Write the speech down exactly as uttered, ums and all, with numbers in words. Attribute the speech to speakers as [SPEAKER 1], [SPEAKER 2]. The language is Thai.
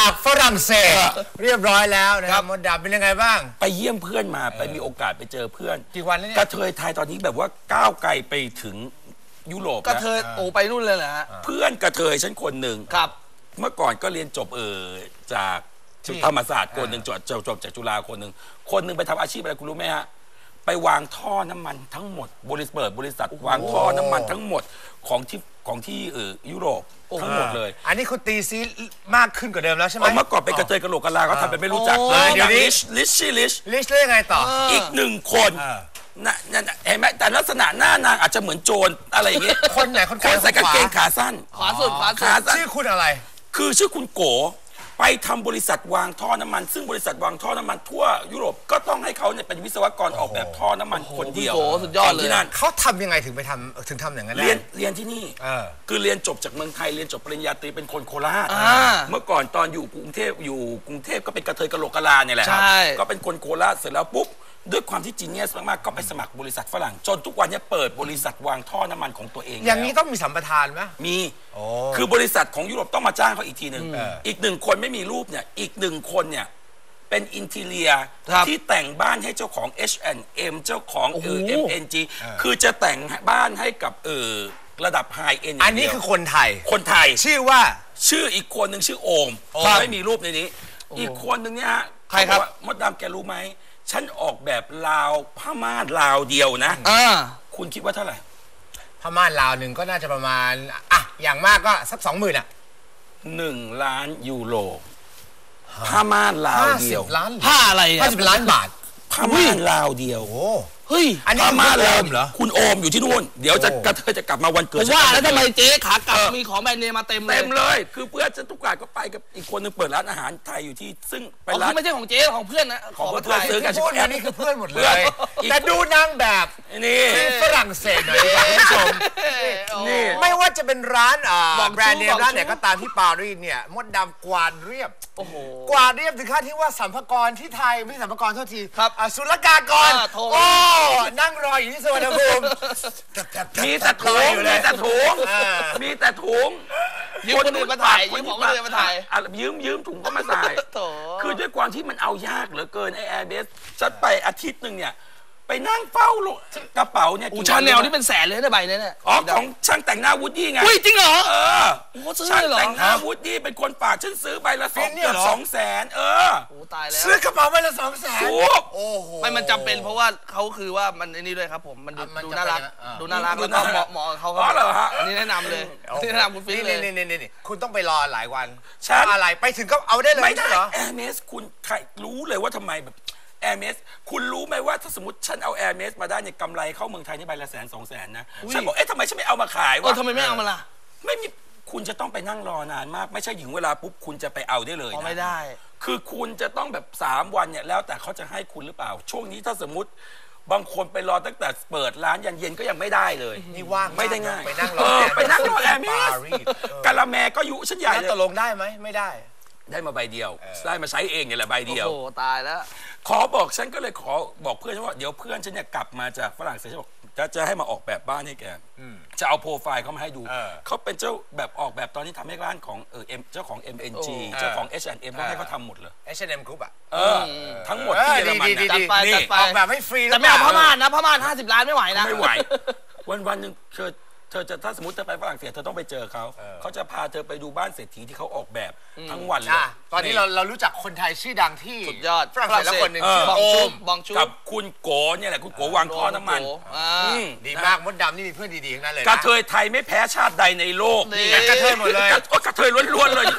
[SPEAKER 1] จากฝรั่งเศสเรียบร้อยแล้วนะครับมดดำเป็นยังไงบ้าง
[SPEAKER 2] ไปเยี่ยมเพื่อนมาไปมีโอกาสไปเจอเพื่อน
[SPEAKER 1] กี่วันแล้วเนี่ย
[SPEAKER 2] กระเทยไทยตอนนี้แบบว่าก้าวไกลไปถึงยุโรป
[SPEAKER 3] กระเทยโอ้ไปนู่นเลยเหรอฮะ
[SPEAKER 2] เพื่อนกระเทยฉันคนหนึ่ง
[SPEAKER 3] ครับ
[SPEAKER 2] เมื่อก่อนก็เรียนจบเออจากธรรมศาสตร์คนหนึ่งจบจบจากจุฬาคนหนึ่งคนหนึ่งไปทำอาชีพอะไรคุณรู้ไหมฮะไปวางท่อน้ำมันทั้งหมดบริษัทเปิดบริษัทวางท่อน้ำมันทั้งหมดของที่ของที่เออยุโรปทั้งหมดเลย
[SPEAKER 1] อันนี้คุณตีซีมากขึ้นกว่าเดิมแล้วใช่ไหม
[SPEAKER 2] เมื่อก่อนไปกระเทยกระโหลกกะลาเขาทำเป็นไม่รู้จักเลยเดี๋ยวนี้ลิชชี่ลิช
[SPEAKER 1] ลิชเรื่องไงต่อ
[SPEAKER 2] อีกหนึ่งคนน่ะนั่นเห็นไหมแต่ลักษณะหน้านางอาจจะเหมือนโจรอะไรอย่างเงี้ย
[SPEAKER 1] คนไหนคน
[SPEAKER 2] ใส่กางเกงขาสั้น
[SPEAKER 3] ขวาสุดขวาสุด
[SPEAKER 1] ชื่อคุณอะไร
[SPEAKER 2] คือชื่อคุณโกไปทำบริษัทวางท่อน้ำมันซึ่งบริษัทวางท่อน้ำมันทั่วยุโรปก็ต้องให้เขาเนี่ยเป็นวิศวกรออกแบบท่อน้ำมันคนเดียว
[SPEAKER 3] โอ้สุดยอดเลย
[SPEAKER 2] ที่นั่น
[SPEAKER 1] เขาทำยังไงถึงไปทำถึงทำอย่างนั้น
[SPEAKER 2] เรียนเรียนที่นี่คือเรียนจบจากเมืองไทยเรียนจบปริญญาตรีเป็นคนโคราชเมื่อก่อนตอนอยู่กรุงเทพอยู่กรุงเทพก็เป็นกระเทยกะโหลกกะลาเนี่ยแหละก็เป็นคนโคราชเสร็จแล้วปุ๊บด้วยความที่จีเนียสมากๆก็ไปสมัครบริษัทฝรั่งจนทุกวันนี้เปิดบริษัทวางท่อน้ำมันของตัวเอง
[SPEAKER 1] อย่างนี้ต้องมีสัมปทานไหม
[SPEAKER 2] มีคือบริษัทของยุโรปต้องมาจ้างเขาอีกทีหนึ่งอีกหนึ่งคนไม่มีรูปเนี่ยอีกหนึ่งคนเนี่ยเป็นอินทีเรียที่แต่งบ้านให้เจ้าของ เอช แอนด์ เอ็ม เจ้าของเออ เอ็ม เอ็น จี คือจะแต่งบ้านให้กับเออระดับไฮเอ็น
[SPEAKER 1] อันนี้คือคนไทย
[SPEAKER 2] คนไทย
[SPEAKER 1] ชื่อว่า
[SPEAKER 2] ชื่ออีกคนหนึ่งชื่อโอมไม่มีรูปในนี้อีกคนหนึ่งเนี่ยฮะ
[SPEAKER 1] ใครครับ
[SPEAKER 2] มดดำแกรู้ไหมฉันออกแบบลาวผ้าม่านลาวเดียวนะคุณคิดว่าเท่าไหร่
[SPEAKER 1] ผ้าม่านลาวหนึ่งก็น่าจะประมาณอ่ะอย่างมากก็สักสองหมื่นอ่ะ
[SPEAKER 2] หนึ่งล้านยูโรผ้าม่านลาวเดียว
[SPEAKER 3] ผ้าอะไร
[SPEAKER 1] ห้าสิบล้านบาท
[SPEAKER 2] ผ้าม่านลาวเดียว
[SPEAKER 3] เฮ้ย
[SPEAKER 1] อันนี้
[SPEAKER 2] มาเริ่มเหรอคุณโอมอยู่ที่นู่นเดี๋ยวจะกระเทยจะกลับมาวันเกิด
[SPEAKER 3] ว่าแล้วทำไมเจ๊ขากลับมีของแบรนด์เนมมาเต็มเลย
[SPEAKER 2] เต็มเลยคือเพื่อนจะทุกการก็ไปกับอีกคนนึงเปิดร้านอาหารไทยอยู่ที่ซึ่ง
[SPEAKER 3] เป็นร้านไม่ใช่ของเจ๊ของเพื่อนนะ
[SPEAKER 2] ของเพื่อนซื้อกัน
[SPEAKER 1] พูดอันนี้คือเพื่อนหมดเลยแต่ดูนางแบบ
[SPEAKER 2] นี่
[SPEAKER 1] ฝรั่งเศสหน่อยดีกว่าคุณผู้ชมนี่ไม่ว่าจะเป็นร้านแบรนด์เนมร้านไหนก็ตามที่ปารีสเนี่ยมดดำกวาดเรียบกวาดเรียบถึงขั้นที่ว่าสัมภากรที่ไทยไม่ใช่สัมภากรเท่าทีศุลกากรโอ้นั่งรออยู่ที่สวนภูมิ
[SPEAKER 2] มีแต่ถุงมีแต่ถุงมีแต่ถุง
[SPEAKER 3] ยืมคนอื่นมาถ่ายยืมของคนอื่นมาถ่าย
[SPEAKER 2] ยืมยืมถุงก็มาใส่คือด้วยความที่มันเอายากเหลือเกินไอแอร์เบสจัดไปอาทิตย์หนึ่งเนี่ยไปนั่งเฝ้ากระเป๋าเนี่ย
[SPEAKER 3] ชาแนลนี่เป็นแสนเลยนะใบนี้เนี่ย
[SPEAKER 2] อ๋อของช่างแต่งหน้าวูดดี้ไง
[SPEAKER 3] อุ้ยจริงเหรอ
[SPEAKER 2] เออช่างแต่งหน้าวูดดี้เป็นคนฝากฉันซื้อใบละสองเกือบสองแสนเออ
[SPEAKER 3] โอ้ตายแล้ว
[SPEAKER 1] ซื้อกระเป๋าใบละสองแสน
[SPEAKER 2] โอ้โห
[SPEAKER 3] ไม่มันจำเป็นเพราะว่าเขาคือว่ามันไอ้นี่ด้วยครับผมมันดูน่ารักดูน่ารักแล้วก็เหมาะเหมาะเขา
[SPEAKER 2] อ๋อเหรอฮะ
[SPEAKER 3] อันนี้แนะนำเลยนี่แนะนำคุณฟิล์มเลย
[SPEAKER 1] นี่นี่นี่คุณต้องไปรอหลายวันอะไรไปถึงก็เอาได้เลย
[SPEAKER 2] ไม่ได้เหรอแอร์เมสคุณใครรู้เลยว่าทำไมแบบแอร์เมสคุณรู้ไหมว่าถ้าสมมติฉันเอาแอร์เมสมาได้เนี่ยกำไรเข้าเมืองไทยนี่ใบละแสนสองแสนนะฉันบอกเอ๊ะทำไมฉันไม่เอามาขายวะ
[SPEAKER 3] ทำไมไม่เอามาล่ะ
[SPEAKER 2] ไม่มีคุณจะต้องไปนั่งรอนานมากไม่ใช่ถึงเวลาปุ๊บคุณจะไปเอาได้เลยนะ
[SPEAKER 3] ไม่ได้
[SPEAKER 2] คือคุณจะต้องแบบสามวันเนี่ยแล้วแต่เขาจะให้คุณหรือเปล่าช่วงนี้ถ้าสมมติบางคนไปรอตั้งแต่เปิดร้านยันเย็นก็ยังไม่ได้เลย
[SPEAKER 1] นี่ว่าง
[SPEAKER 2] ไม่ได้ง่าย
[SPEAKER 1] ไปนั่งรอ
[SPEAKER 2] ไปนั่งรอแอร์เมสกะละแมก็ยุฉันใหญ่เลย
[SPEAKER 1] ตกลงได้ไหมไม่ได้
[SPEAKER 2] ได้มาใบเดียวได้มาใช้เองเนี่ยแหละใบเดียว
[SPEAKER 3] โอ้ตายแล้ว
[SPEAKER 2] ขอบอกฉันก็เลยขอบอกเพื่อนว่าเดี๋ยวเพื่อนฉันเนี่ยกลับมาจากฝรั่งเศสฉันบอกจะจะให้มาออกแบบบ้านให้แกจะเอาโปรไฟล์เขามาให้ดูเขาเป็นเจ้าแบบออกแบบตอนนี้ทำให้ร้านของเออเอ็มเจ้าของ เอ็ม เอ็น จี เจ้าของ เอช แอนด์ เอ็ม ต้องให้เขาทำหมดเลย
[SPEAKER 1] เอช แอนด์ เอ็ม Group อ่ะ
[SPEAKER 2] เออทั้งหมดที่เยอรมัน
[SPEAKER 3] จัดไปจัดไป
[SPEAKER 1] ออกแบบให้ฟรี
[SPEAKER 3] แต่ไม่เอาพม่านนะพม่านห้าสิบล้านไม่ไหวนะ
[SPEAKER 2] ไม่ไหววันวันหนึ่งเธอเธอจะถ้าสมมติเธอไปฝรั่งเศสเธอต้องไปเจอเขาเขาจะพาเธอไปดูบ้านเศรษฐีที่เขาออกแบบทั้งวันเลย
[SPEAKER 1] ตอนนี้เราเรารู้จักคนไทยชื่อดังที่
[SPEAKER 3] สุดยอด
[SPEAKER 1] ฝรั่งเศสแล้วคนหนึ่งชื่อบองชุบบองชุ
[SPEAKER 2] กับคุณโกเนี่ยแหละคุณโกวางท่อน้ำมัน
[SPEAKER 1] ดีมากมดดำนี่มีเพื่อนดีๆทั้งนั้นเลย
[SPEAKER 2] กระเทยไทยไม่แพ้ชาติใดในโลก
[SPEAKER 1] นี่กระเทยหมดเลย
[SPEAKER 2] กระเทยล้วนๆเลย